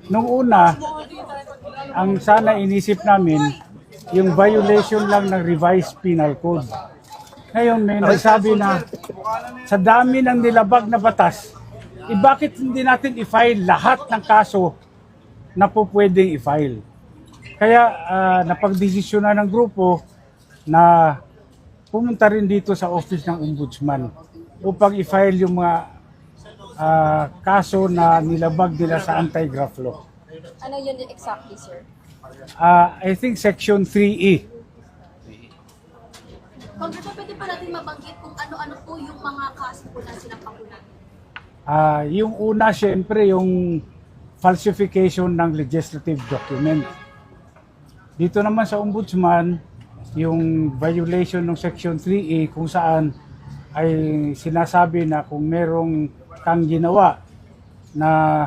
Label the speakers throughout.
Speaker 1: Nung una, ang sana inisip namin, yung violation lang ng revised penal code. Ngayon may nagsabi na sa dami ng nilabag na batas, bakit hindi natin i-file lahat ng kaso na po pwedeng i-file? Kaya napagdesisyonan ng grupo na pumunta rin dito sa office ng ombudsman upang i-file yung mga kaso na nilabag nila sa anti-graft law.
Speaker 2: Ano yun exactly, sir?
Speaker 1: I think section 3E.
Speaker 3: Congressman, pwede pa natin mabanggit kung ano-ano po yung mga kaso po na sinampakulan?
Speaker 1: Yung una, syempre, yung falsification ng legislative document. Dito naman sa ombudsman, yung violation ng section 3E kung saan ay sinasabi na kung merong kang ginawa na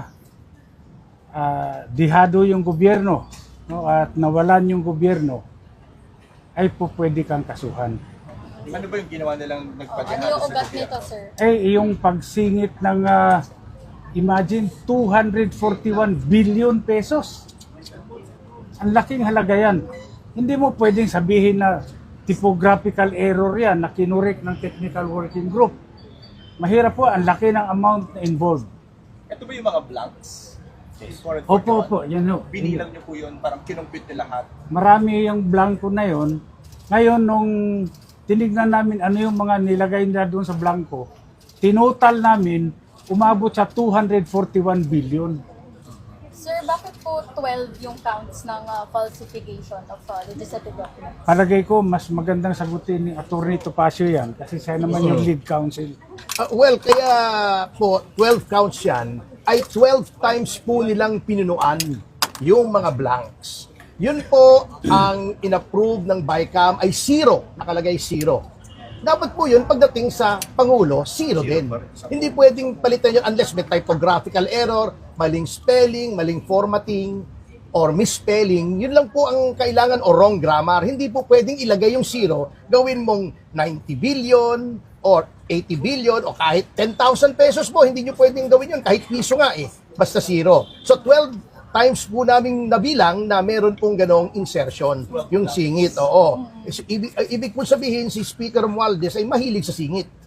Speaker 1: dihado yung gobyerno, no, at nawalan yung gobyerno, ay po pwede kang kasuhan.
Speaker 4: Ano ba yung ginawa nilang
Speaker 2: Ano
Speaker 4: nagpadihado
Speaker 2: yung
Speaker 4: sa
Speaker 2: ugat
Speaker 4: gobyerno?
Speaker 2: nito, sir?
Speaker 1: Yung pagsingit ng, imagine, 241 billion pesos. Ang laking halaga yan. Hindi mo pwedeng sabihin na typographical error yan na kinurek ng technical working group. Mahirap po, ang laki ng amount na involved.
Speaker 4: Ito ba yung mga blanks?
Speaker 1: Opo, yan o.
Speaker 4: Binilang niyo po yun, parang kinumpit nila lahat.
Speaker 1: Marami yung blanco na yon. Ngayon, nung tinignan namin ano yung mga nilagay nila doon sa blanco, tinotal namin, umabot sa 241 billion.
Speaker 2: Sir, bakit po 12 yung counts ng falsification of legislative documents?
Speaker 1: Palagay ko, mas magandang sagutin ni Atty. Topacio yan kasi siya naman yung lead counsel.
Speaker 5: Well, kaya po 12 counts yan ay 12 times po nilang pinunuan yung mga blanks. Yun po ang inapprove ng BICAM ay 0, nakalagay 0. Dapat po yun pagdating sa Pangulo, 0 din. Hindi pwedeng palitan yun unless may typographical error, maling spelling, maling formatting, or misspelling. Yun lang po ang kailangan o wrong grammar. Hindi po pwedeng ilagay yung 0, gawin mong 90 billion or 80 billion o kahit 10,000 pesos po. Hindi nyo pwedeng gawin yun kahit piso nga eh. Basta 0. So 12 times po naming nabilang na meron pong ganong insertion, yung singit, oo. Ibig po sabihin, si Speaker Romualdez ay mahilig sa singit.